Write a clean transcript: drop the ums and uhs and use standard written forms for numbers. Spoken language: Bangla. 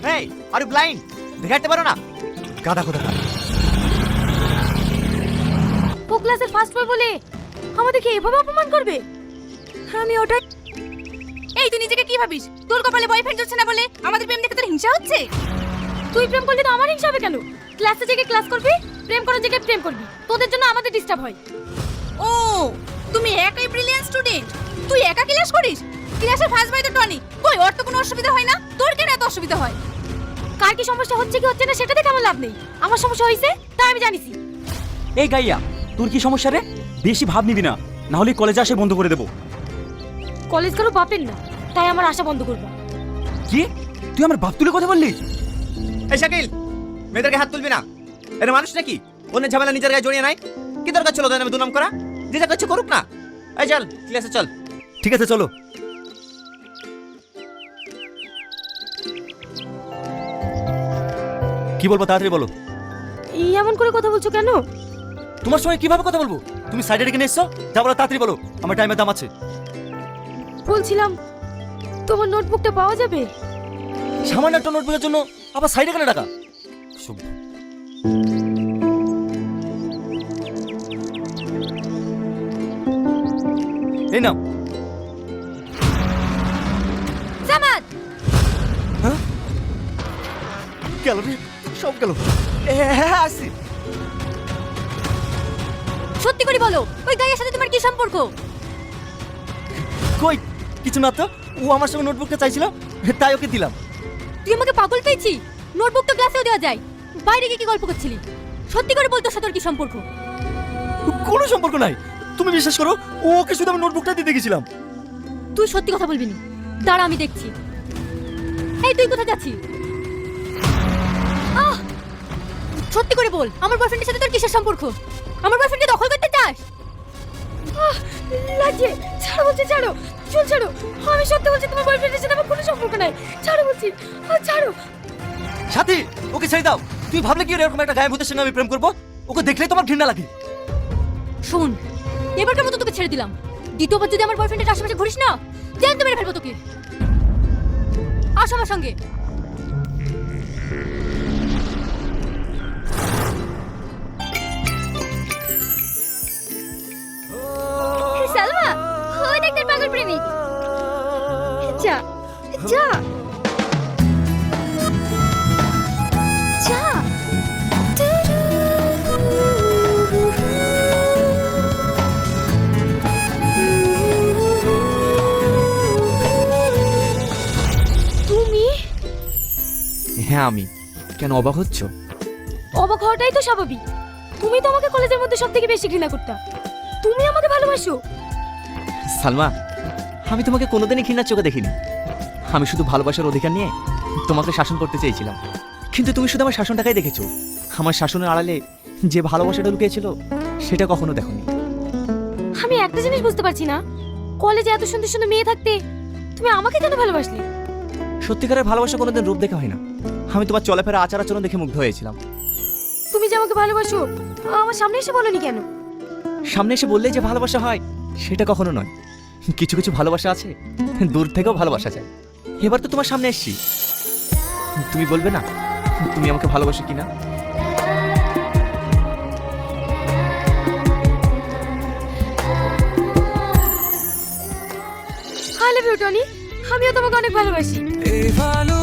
এই আর ইউ ব্লাইন্ড? দেখাতে পারো না? গাদা খোদা। ও ক্লাসের ফার্স্ট বয় বলে আমাদেরকে এভাবে অপমান করবে? আমি ওটা। এই তুই নিজেকে কি ভাবিস? তোর কপালে বয়ফ্রেন্ড হচ্ছে না বলে আমাদের প্রেম দেখে তোর হিংসা হচ্ছে? তুই প্রেম করলে তো আমার হিংসা হবে কেন? ক্লাসে জেগে ক্লাস করবি, প্রেম করার জায়গায় প্রেম করবি। তোদের জন্য আমাদের ডিস্টার্ব হয়। ও তুমি একাই ব্রিলিয়ান্ট স্টুডেন্ট? তুই একা ক্লাস করিস? ক্লাসের ফার্স্ট বয় তো টনি। কই ওর তো কোনো অসুবিধা হয় না, তোর কেন এত অসুবিধা হয়? কার কি সমস্যা হচ্ছে কি হচ্ছে না সেটা দেখে আমার লাভ নেই। আমার সমস্যা হয়েছে তা আমি জানিছি। এই গাইয়া, তোর কি সমস্যা রে? বেশি ভাব নিবি না, না হলে কলেজে আসে বন্ধ করে দেবো। কলেজ কারো বাপের না, তাই আমার আশা বন্ধ করবো। কি? তুই আমার বাপ তুলে কথা বললি? এই শাকিল, মেয়েদেরকে হাত তুলবি না। এরা মানুষ নাকি? অন্য ঝামেলা নিজের গায়ে জড়িয়ে নাই। কি দরকার ছিল ওদের নামে দুনাম করা? যে যা করছে করুক না। এই চল ক্লাসে চল। ঠিক আছে চলো। কি বলবো তাড়াতাড়ি বলো। এই এমন করে কথা বলছো কেন? তোমার সঙ্গে কিভাবে কথা বলবো? তুমি সাইডে রেখে নিয়ে এসছো, যা বলো তাড়াতাড়ি বলো, আমার টাইমের দাম আছে। বলছিলাম তোমার নোটবুকটা পাওয়া যাবে? সামান্য একটা নোটবুকের জন্য আবার সাইডে কেন টাকা? সভ্য। এই নাও। জামাত হ্যাঁ? গেল রে, সব গেল। হ্যাঁ আসি। সত্যি করে বলো, ওই গাইয়ের সাথে তোমার কি সম্পর্ক? কই কিছু না তো, ও আমার সঙ্গে নোটবুকটা চাইছিল, তাই ওকে দিলাম। তুই আমাকে পাগল পেয়েছি? নোটবুক তো ক্লাসেও দেওয়া যায়। বাইরে গিয়ে কি গল্প করছিলি? সত্যি করে বলতো সাথে তোর কি সম্পর্ক? কোনো সম্পর্ক নাই, তুমি বিশ্বাস করো, ও ওকে শুধু আমি নোটবুকটা দিতে গেছিলাম। তুই সত্যি কথা বলবি না? দাঁড়া আমি দেখছি। এই তুই কোথায় যাচ্ছিস? আহ! সত্যি করে বল, আমার বয়ফ্রেন্ডের সাথে তোর কিসের সম্পর্ক? আমার বয়ফ্রেন্ডকে দখল করতে চাস? লাগছে, ছাড়ো বলছি, ছাড়ো। চল ছাড়ো। আমি সত্যি বলছি তোমার বয়ফ্রেন্ডের সাথে আমার কোনো সম্পর্ক নাই। ছাড়ো বলছি, ছাড়ো। সাথী, ওকে ছেড়ে দাও। তুই ভাবলে কি এরকম একটা গায়ে ভূতের সঙ্গে আমি প্রেম করবো? ওকে দেখলেই তোমার ঘৃণা লাগে। শোন, এবারকার মতো তোকে ছেড়ে দিলাম। দ্বিতীয়বার যদি আমার বয়ফ্রেন্ডের আশেপাশে ঘুরিস না, জ্যান্ত মেরে ফেলবো তোকে। আস আমার সঙ্গে। সালমা, ওই দেখ তোর পাগল প্রেমিক। যা যা যা। তুমি? হ্যাঁ আমি। কেন অবাক হচ্ছ? অবাক হওয়াটাই তো স্বাভাবিক। তুমি তো আমাকে কলেজের মধ্যে সবথেকে বেশি ঘৃণা করতা। তুমি আমাকে ভালোবাসো? সালমা, আমি তোমাকে কোনোদিনই ঘৃণার চোখে দেখিনি। আমি শুধু ভালোবাসার অধিকার নিয়ে তোমাকে শাসন করতে চেয়েছিলাম, কিন্তু তুমি শুধু আমার শাসনটাকেই দেখেছো। আমার শাসনের আড়ালে যে ভালোবাসাটা লুকিয়েছিল সেটা কখনো দেখোনি। আমি একটা জিনিস বুঝতে পারছি না, কলেজে এত সুন্দর সুন্দর মেয়ে থাকতে তুমি আমাকে কেন ভালোবাসলে? সত্যিকারের ভালোবাসা কোনোদিন রূপ দেখে হয় না। আমি তোমার চলাফেরা আচার আচরণ দেখে মুগ্ধ হয়েছিলাম। তুমি যে আমাকে ভালোবাসো আমার সামনে এসে বলনি কেন? সামনে এসে বললেই যে ভালোবাসা হয় সেটা কখনো নয়। কিছু কিছু ভালোবাসা আছে দূর থেকেও ভালোবাসা যায়। এবার তো তোমার সামনে এসেছি, তুমি বলবে না তুমি আমাকে ভালোবাসো কিনা? I love you Tony. আমিও তোমাকে অনেক ভালোবাসি।